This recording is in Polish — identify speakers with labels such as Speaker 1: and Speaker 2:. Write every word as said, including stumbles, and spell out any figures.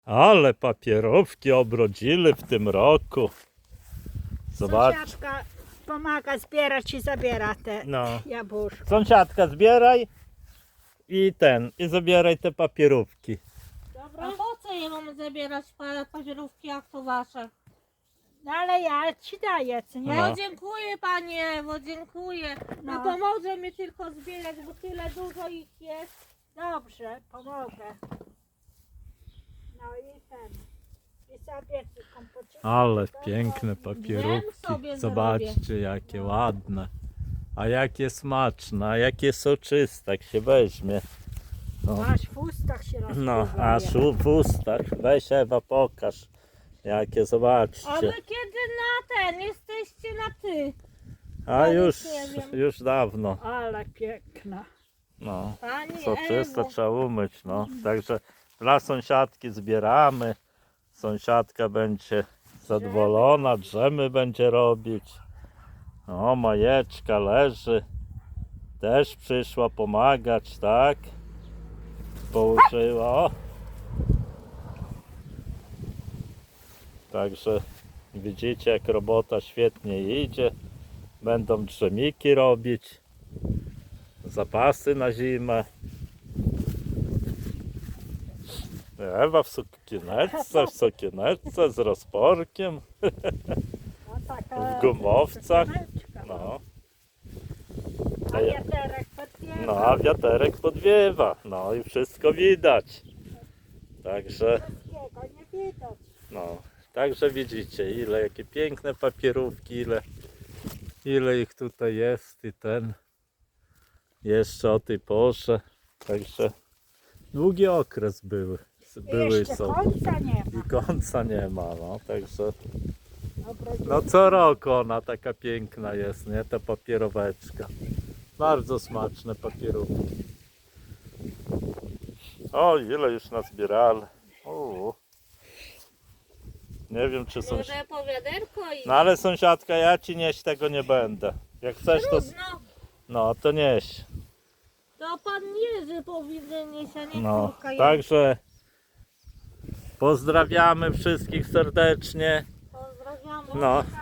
Speaker 1: Ale papierówki obrodzili w tym roku. Zobacz.
Speaker 2: Sąsiadka pomaga zbierać i zabiera te
Speaker 1: No.
Speaker 2: jabłuszka.
Speaker 1: Sąsiadka, zbieraj i ten, i zabieraj te papierówki.
Speaker 3: A po co je mamy zabierać pa- papierówki, jak to wasze?
Speaker 2: No ale ja ci daję, co nie?
Speaker 1: No.
Speaker 3: No dziękuję panie, bo dziękuję. No
Speaker 2: No.
Speaker 3: pomoże mi tylko zbierać, bo tyle dużo ich jest.
Speaker 2: Dobrze, pomogę. No i ten. I sobie kompocie.
Speaker 1: Ale piękne
Speaker 3: Wiem
Speaker 1: papierówki.
Speaker 3: sobie
Speaker 1: Zobaczcie, jakie ładne. A jakie smaczne, a jakie soczyste, jak się weźmie. No,
Speaker 2: Aż w ustach się rozpływa.
Speaker 1: no aż u- w ustach. Weź Ewa, pokaż. Jakie,
Speaker 3: A
Speaker 1: zobaczcie.
Speaker 3: wy kiedy na ten jesteście na ty?
Speaker 1: A
Speaker 3: ja
Speaker 1: już,
Speaker 3: nie wiem.
Speaker 1: już dawno.
Speaker 2: Ale piękna.
Speaker 1: No.
Speaker 3: Pani
Speaker 1: Soczyste
Speaker 3: Ewo.
Speaker 1: trzeba umyć, no. Także dla sąsiadki zbieramy. Sąsiadka będzie zadowolona, drzemy będzie robić. O, Majeczka leży. Też przyszła pomagać, tak? Położyła. O. Także widzicie, jak robota świetnie idzie. Będą drzemiki robić. Zapasy na zimę. Ewa w sukieneczce, w sukieneczce z rozporkiem,
Speaker 2: No, taka
Speaker 1: w gumowcach.
Speaker 2: sukieneczka.
Speaker 1: No,
Speaker 2: A wiaterek podbiega.
Speaker 1: no a wiaterek podwiewa. No i wszystko widać. Także,
Speaker 2: Wszystkiego nie widać.
Speaker 1: no, także widzicie, ile, jakie piękne papierówki, ile, ile ich tutaj jest i ten. Jeszcze o tej porze. Także długi okres były. Były
Speaker 2: Jeszcze
Speaker 1: są.
Speaker 2: końca nie ma.
Speaker 1: I końca nie ma, no, także
Speaker 2: Obrodziła.
Speaker 1: no co roku ona taka piękna jest, nie, ta papieroweczka. Bardzo smaczne papierówki. O, ile już nazbierali. O. Nie wiem, czy są...
Speaker 3: Może po wiaderko i...
Speaker 1: No ale sąsiadka, ja ci nieść tego nie będę. Jak chcesz, to...
Speaker 3: Trudno.
Speaker 1: No, to nieś.
Speaker 3: To pan Jerzy powinien nieść, a nie
Speaker 1: No,
Speaker 3: córka.
Speaker 1: także pozdrawiamy wszystkich serdecznie.
Speaker 3: Pozdrawiamy.
Speaker 1: No,